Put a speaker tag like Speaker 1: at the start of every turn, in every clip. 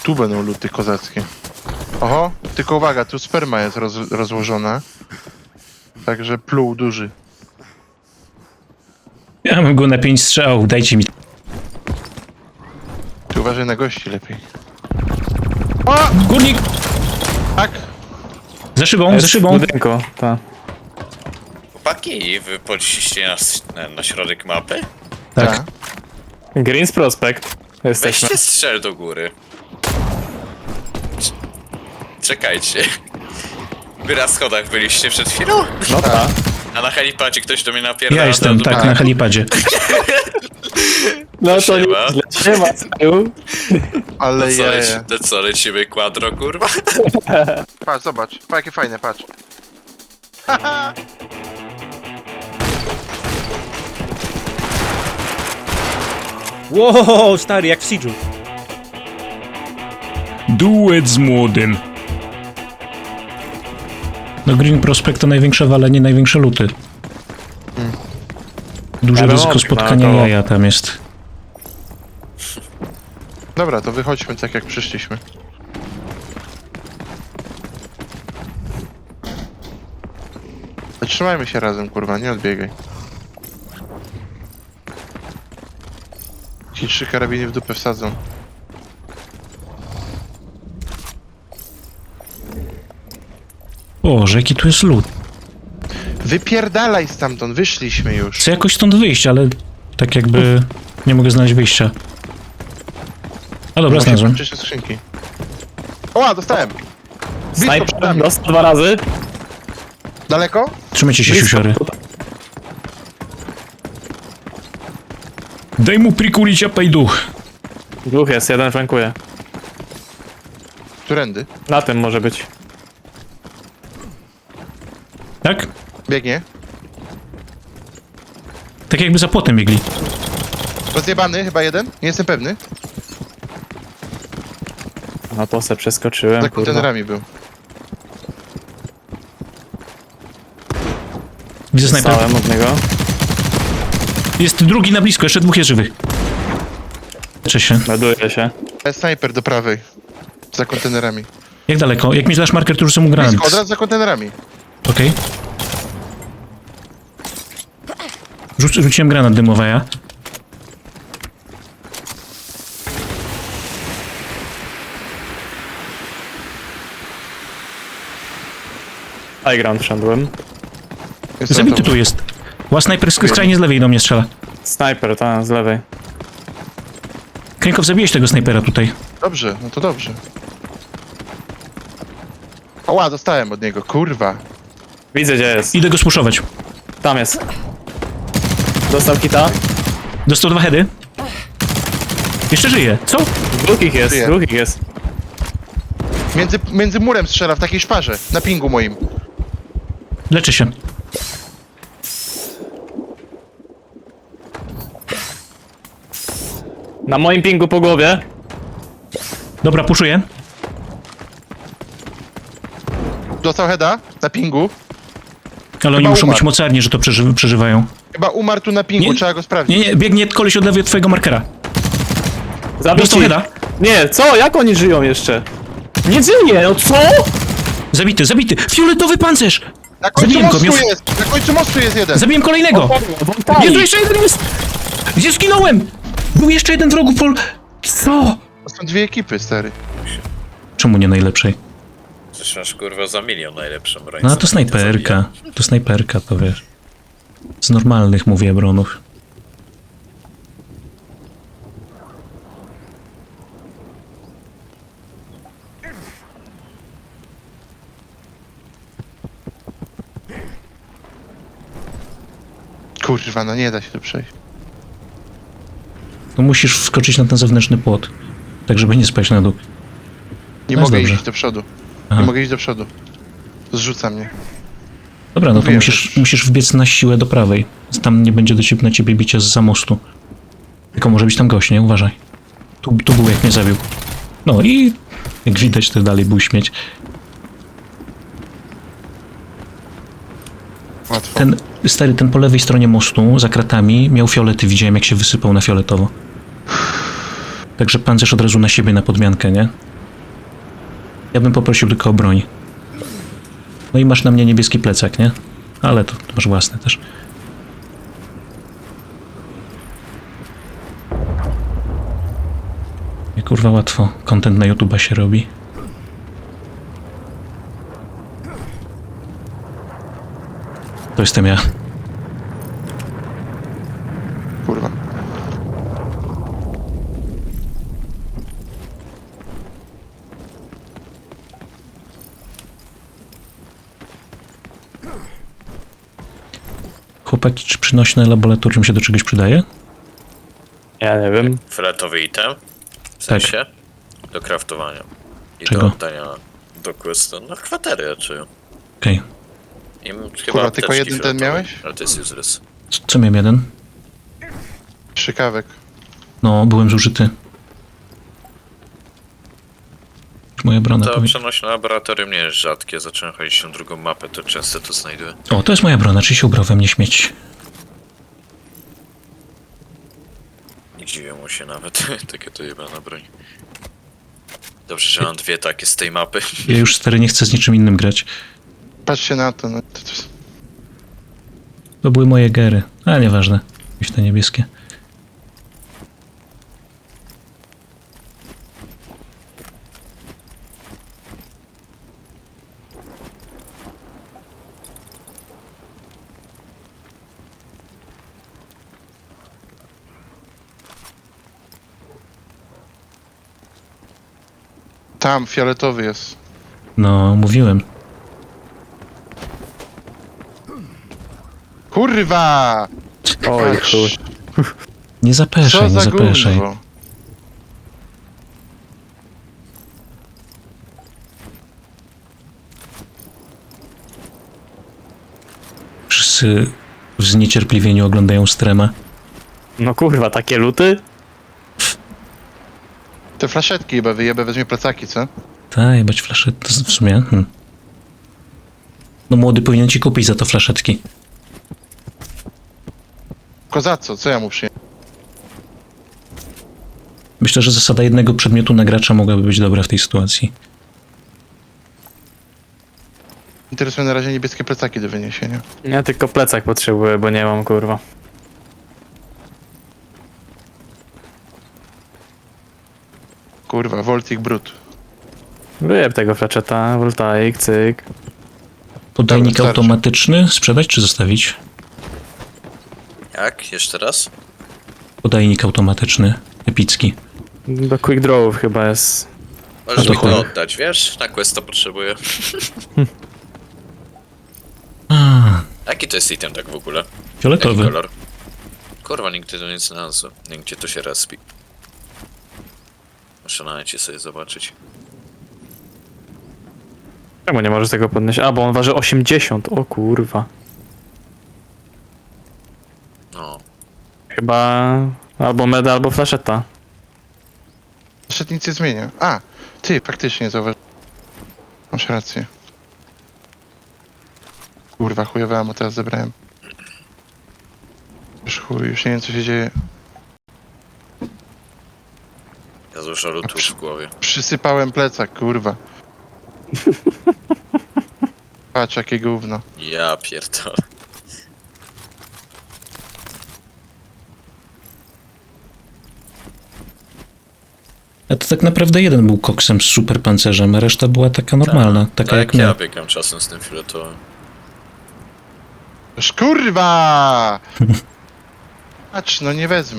Speaker 1: Tu będą luty kozackie. Oho, tylko uwaga, tu sperma jest rozłożona. Także pluł duży.
Speaker 2: Ja mam go na 5 strzałów, dajcie mi.
Speaker 1: Ty uważaj na gości lepiej. O!
Speaker 2: Górnik!
Speaker 1: Tak!
Speaker 2: Za szybą, za szybą.
Speaker 3: Budynku, tak.
Speaker 4: Chłopaki, wy poszliście na środek mapy?
Speaker 2: Tak.
Speaker 3: Greens Prospect. Jesteśmy.
Speaker 4: Weźcie strzel do góry. Czekajcie. Wy na schodach byliście przed chwilą?
Speaker 3: No tak.
Speaker 4: A na helipadzie ktoś do mnie napierdala.
Speaker 2: Ja jestem,
Speaker 4: to-
Speaker 2: tak, na helipadzie.
Speaker 3: No to
Speaker 4: Siema.
Speaker 3: nie ma celu.
Speaker 1: Ale
Speaker 4: To co,
Speaker 1: je.
Speaker 4: to co, lecimy quadro, kurwa?
Speaker 1: Patrz, zobacz. Patrz, jakie fajne, patrz.
Speaker 5: Wow, stary, jak w Siege'u.
Speaker 2: Duet z młodym. No Green Prospect to największe walenie, największe luty. Duże
Speaker 3: Ale
Speaker 2: ryzyko
Speaker 3: okna,
Speaker 2: spotkania
Speaker 3: to-
Speaker 2: jaja tam jest.
Speaker 1: Dobra, to wychodźmy tak jak przyszliśmy. Trzymajmy się razem, kurwa, nie odbiegaj. Ci 3 karabiny w dupę wsadzą.
Speaker 2: Boże, jaki tu jest lód.
Speaker 1: Wypierdalaj stamtąd, wyszliśmy już.
Speaker 2: Chcę jakoś stąd wyjść, ale tak jakby nie mogę znaleźć wyjścia. A dobra, znalazłem.
Speaker 1: Przyszły skrzynki. Oła, dostałem! Blisko przed
Speaker 3: Sniper
Speaker 1: nami.
Speaker 3: dostał 2 razy.
Speaker 1: Daleko?
Speaker 2: Trzymajcie się,
Speaker 3: Blisko.
Speaker 2: siusiory. Daj mu prikulić apajduch.
Speaker 3: Dwóch jest, jeden flankuje.
Speaker 1: Którędy?
Speaker 3: Na tym może być.
Speaker 2: Tak?
Speaker 1: Biegnie.
Speaker 2: Tak jakby za płotem biegli.
Speaker 1: Rozjebany, chyba jeden? Nie jestem pewny.
Speaker 3: No to se przeskoczyłem,
Speaker 1: Za
Speaker 3: kurwa.
Speaker 1: kontenerami był.
Speaker 2: Widzę snajper.
Speaker 3: Stałem od niego.
Speaker 2: Jest drugi na blisko, jeszcze dwóch jest żywych. Cześć się.
Speaker 3: Ładuje się.
Speaker 1: Snajper do prawej. Za kontenerami.
Speaker 2: Jak daleko? Jak mi dasz marker, to rzucę mu granat.
Speaker 1: Blisko, od razu za kontenerami.
Speaker 2: Okej. Rzuciłem granat dymowy, ja.
Speaker 3: High ground wszedłem.
Speaker 1: Jest
Speaker 2: Zabity
Speaker 1: na to.
Speaker 2: tu jest. Ła snajper skrajnie z lewej do mnie strzela.
Speaker 3: Sniper, tam z lewej.
Speaker 2: Krękow, zabiłeś tego snajpera tutaj.
Speaker 1: Dobrze, no to dobrze. Oła, dostałem od niego, kurwa.
Speaker 3: Widzę gdzie jest.
Speaker 2: Idę go spuszować.
Speaker 3: Tam jest. Dostał kita.
Speaker 2: Dostał 2 heady. Jeszcze żyje. Co?
Speaker 3: Dwóch ich jest,
Speaker 1: Żyje.
Speaker 3: dwóch ich jest.
Speaker 1: Między murem strzela w takiej szparze. Na pingu moim.
Speaker 2: Leczy się.
Speaker 3: Na moim pingu po głowie.
Speaker 2: Dobra, puszuję.
Speaker 1: Dostał heada na pingu.
Speaker 2: Ale oni
Speaker 1: Chyba
Speaker 2: muszą być
Speaker 1: umarł.
Speaker 2: mocarni, że to przeżywają.
Speaker 1: Chyba umarł tu na pingu,
Speaker 2: Nie.
Speaker 1: trzeba go sprawdzić.
Speaker 2: Nie, biegnie koleś od lewej od twojego markera.
Speaker 3: Zabici.
Speaker 2: Dostał heada.
Speaker 3: Nie, co? Jak oni żyją jeszcze? Nie żyje, no co?
Speaker 2: Zabity, zabity. Fioletowy pancerz!
Speaker 1: Na końcu
Speaker 2: Zabiłem go,
Speaker 1: mostu
Speaker 2: miał-
Speaker 1: jest! Na końcu mostu jest jeden!
Speaker 2: Zabiłem kolejnego!
Speaker 3: Wątali.
Speaker 2: Nie, tu jeszcze jeden jest! Gdzie zginąłem? Był jeszcze jeden wrogu pol... Co?
Speaker 1: To są 2 ekipy, stary.
Speaker 2: Czemu nie najlepszej?
Speaker 4: Przecież masz kurwa za milion najlepszą broń.
Speaker 2: No
Speaker 4: co
Speaker 2: to
Speaker 4: mnie to
Speaker 2: snajperka.
Speaker 4: zabija.
Speaker 2: To snajperka, to wiesz. Z normalnych, mówię, bronów.
Speaker 1: Kurwa, no nie da się tu przejść.
Speaker 2: No musisz wskoczyć na ten zewnętrzny płot. Tak, żeby nie spaść na dół.
Speaker 1: Nie
Speaker 2: No jest
Speaker 1: mogę
Speaker 2: dobrze.
Speaker 1: iść do przodu.
Speaker 2: Aha.
Speaker 1: Nie mogę iść do przodu. Zrzuca mnie.
Speaker 2: Dobra, no to
Speaker 1: Wiem,
Speaker 2: musisz wbiec na siłę do prawej. Tam nie będzie na ciebie bicia zza mostu. Tylko może być tam gość, nie? Uważaj. Tu był, jak mnie zabił. No i jak widać, to dalej był śmieć.
Speaker 1: Łatwo.
Speaker 2: Ten po lewej stronie mostu, za kratami, miał fiolety. Widziałem, jak się wysypał na fioletowo. Także pancerz od razu na siebie, na podmiankę, nie? Ja bym poprosił tylko o broń. No i masz na mnie niebieski plecak, nie? Ale to masz własne też. I kurwa łatwo content na YouTube'a się robi. To jestem ja.
Speaker 1: Kurwa.
Speaker 2: Chłopaki, czy przynośne laboratorium się do czegoś przydaje?
Speaker 3: Ja nie wiem.
Speaker 4: Fioletowy item? W sensie? Do craftowania. I
Speaker 2: Czego?
Speaker 4: do oddania do questu. No kwatery raczej.
Speaker 2: Okej.
Speaker 4: I chyba
Speaker 1: Kurwa, tylko
Speaker 4: apteczki
Speaker 1: jeden ten
Speaker 4: fioletowe,
Speaker 1: miałeś?
Speaker 4: Ale to jest useless.
Speaker 2: Co miałem jeden?
Speaker 1: Szykawek.
Speaker 2: No, byłem zużyty. Już moja brona
Speaker 4: To
Speaker 2: powie...
Speaker 4: przenośne laboratorium nie jest rzadkie. Zacząłem chodzić na drugą mapę, to często to znajduję.
Speaker 2: O, to jest moja brona, czy się ubrał we mnie śmieć?
Speaker 4: Nie dziwię mu się nawet. Takie to jebana broń. Dobrze, że mam dwie takie z tej mapy.
Speaker 2: Ja już stary nie chcę z niczym innym grać.
Speaker 1: Patrzcie na to, no.
Speaker 2: To były moje gery. A, nieważne. Jakieś te niebieskie.
Speaker 1: Tam, fioletowy jest.
Speaker 2: No, mówiłem.
Speaker 1: Kurwa!
Speaker 3: Oj,
Speaker 1: Patrz,
Speaker 3: chuj.
Speaker 2: Nie zapeszaj,
Speaker 1: Co
Speaker 2: nie
Speaker 1: za
Speaker 2: zapeszaj.
Speaker 1: gówno.
Speaker 2: Wszyscy w zniecierpliwieniu oglądają strema.
Speaker 3: No kurwa, takie luty?
Speaker 1: Te flaszetki chyba wyjebę, weźmie plecaki, co?
Speaker 2: Tak, jebać flaszet, to w sumie. No młody powinien ci kupić za to flaszetki.
Speaker 1: Kozaco, co ja mu przyjmę?
Speaker 2: Myślę, że zasada jednego przedmiotu na gracza mogłaby być dobra w tej sytuacji.
Speaker 1: Interesuje na razie niebieskie plecaki do wyniesienia.
Speaker 3: Ja tylko plecak potrzebuję, bo nie mam kurwa.
Speaker 1: Kurwa, Voltic Brut.
Speaker 3: Wyjeb tego flaczeta, voltaik, cyk.
Speaker 2: Podajnik
Speaker 1: Dobra, starczy.
Speaker 2: automatyczny sprzedać czy zostawić?
Speaker 4: Jak? Jeszcze raz?
Speaker 2: Podajnik automatyczny, epicki.
Speaker 3: Do quick drawów chyba jest.
Speaker 4: Możesz
Speaker 2: to
Speaker 4: mi to
Speaker 2: chuj.
Speaker 4: oddać, wiesz? Na questa potrzebuję.
Speaker 2: A,
Speaker 4: Jaki to jest item tak w ogóle? Jaki
Speaker 2: fioletowy.
Speaker 4: kolor? Kurwa, nigdy to nie znalazłem. Nigdzie to się respi. Muszę na necie sobie zobaczyć.
Speaker 3: Czemu nie możesz tego podnieść? A, bo on waży 80, o kurwa.
Speaker 4: No.
Speaker 3: Chyba albo meda, albo flaszeta.
Speaker 1: Flaszet nic nie zmienia. A, ty, faktycznie zauważyłem. Masz rację. Kurwa, chujowe ammo teraz zebrałem. Już chuj, już nie wiem co się dzieje.
Speaker 4: Ja dużo lutów w głowie.
Speaker 1: Przysypałem plecak, kurwa. Patrz, jakie gówno.
Speaker 4: Ja pierdolę.
Speaker 2: A to tak naprawdę jeden był koksem z super pancerzem, a reszta była taka normalna, taka
Speaker 4: Tak
Speaker 2: jak
Speaker 4: jak ja
Speaker 2: my.
Speaker 4: biegam czasem z tym fioletowym.
Speaker 1: Już kurwa! Patrz, no nie wezmę.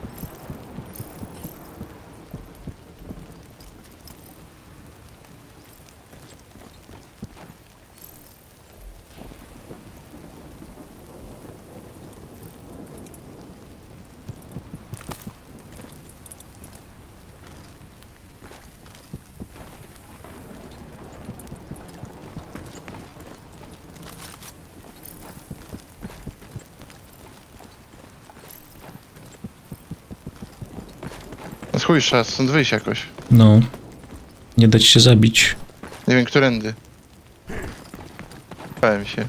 Speaker 1: No chuj, trzeba stąd wyjść jakoś.
Speaker 2: No. Nie dać się zabić.
Speaker 1: Nie wiem, którędy. Bałem się.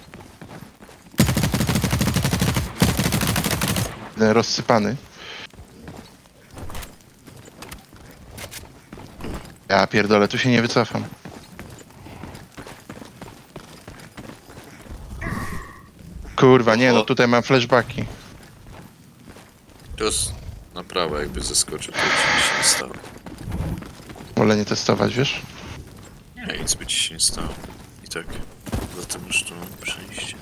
Speaker 1: Jeden rozsypany. Ja pierdolę, tu się nie wycofam. Kurwa, nie no, tutaj mam flashbacki.
Speaker 4: Tu na prawo jakby zeskoczył, to ci się nie stało.
Speaker 1: Wolę nie testować, wiesz?
Speaker 4: Nie, nic by ci się nie stało. I tak, zatem już tu mam przejście.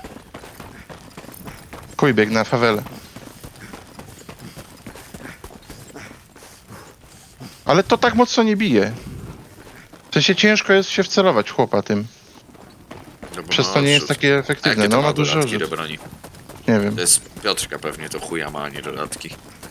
Speaker 1: Kuj, bieg na fawelę. Ale to tak mocno nie bije. W sensie ciężko jest się wcelować w chłopa tym.
Speaker 4: No bo
Speaker 1: Przez
Speaker 4: ma
Speaker 1: to nie jest
Speaker 4: odrzut.
Speaker 1: takie
Speaker 4: A
Speaker 1: efektywne.
Speaker 4: jakie to
Speaker 1: No ma dużo
Speaker 4: dodatki do
Speaker 1: rzut.
Speaker 4: broni?
Speaker 1: Nie wiem.
Speaker 4: To jest Piotrka pewnie, to chuja ma, a nie dodatki.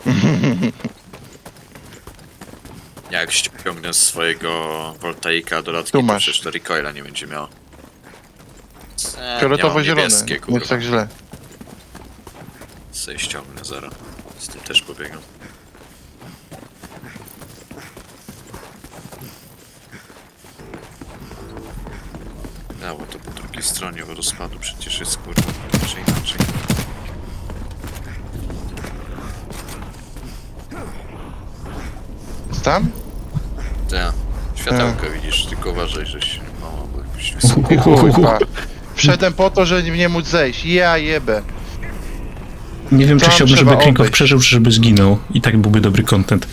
Speaker 4: Jak ściągnę z swojego Voltaika dodatki,
Speaker 1: Tu
Speaker 4: to
Speaker 1: masz.
Speaker 4: przecież to recoila nie będzie miało.
Speaker 1: Fioletowo-zielone.
Speaker 4: Niebieskie,
Speaker 1: Nie
Speaker 4: kurwa.
Speaker 1: jest tak źle.
Speaker 4: Sobie ściągnę zero. Z tym też pobiegam. Ja, bo to po drugiej stronie wodospadu przecież jest kurwa, czy inaczej.
Speaker 1: Jest tam?
Speaker 4: Tak, światełko widzisz, tylko uważaj, żeś mało, bo jakoś wysoko.
Speaker 1: Kurwa. Wszedłem po to, żeby nie móc zejść. Ja jebę.
Speaker 2: Nie wiem, czy
Speaker 1: Tam
Speaker 2: chciałbym,
Speaker 1: trzeba
Speaker 2: żeby Klinkow
Speaker 1: obejść.
Speaker 2: przeżył, czy żeby zginął. I tak byłby dobry content.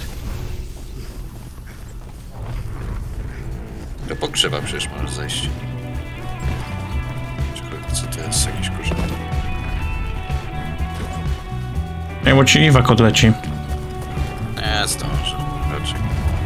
Speaker 4: Do pogrzewa przecież możesz zejść. Czekaj, co to jest? Jakiś korzeń?
Speaker 2: Nie, bo ci Iwak odleci.
Speaker 4: Nie, zdążę. Raczej.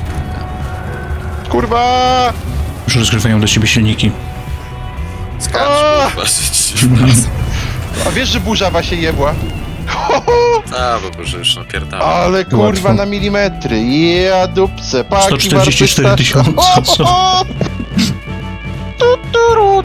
Speaker 1: Kurwa!
Speaker 2: Już rozgrywają do ciebie silniki.
Speaker 4: Skacz,
Speaker 1: O!
Speaker 4: kurwa,
Speaker 1: A wiesz, że burzawa się jebła?
Speaker 4: Tak, bo że już napierdałem.
Speaker 1: Ale kurwa
Speaker 2: Łatwo.
Speaker 1: na milimetry. Ja dupce. Paki
Speaker 2: 144
Speaker 1: warte
Speaker 2: tysiące,
Speaker 1: straszne.
Speaker 2: co?
Speaker 1: Tu, tu, ru,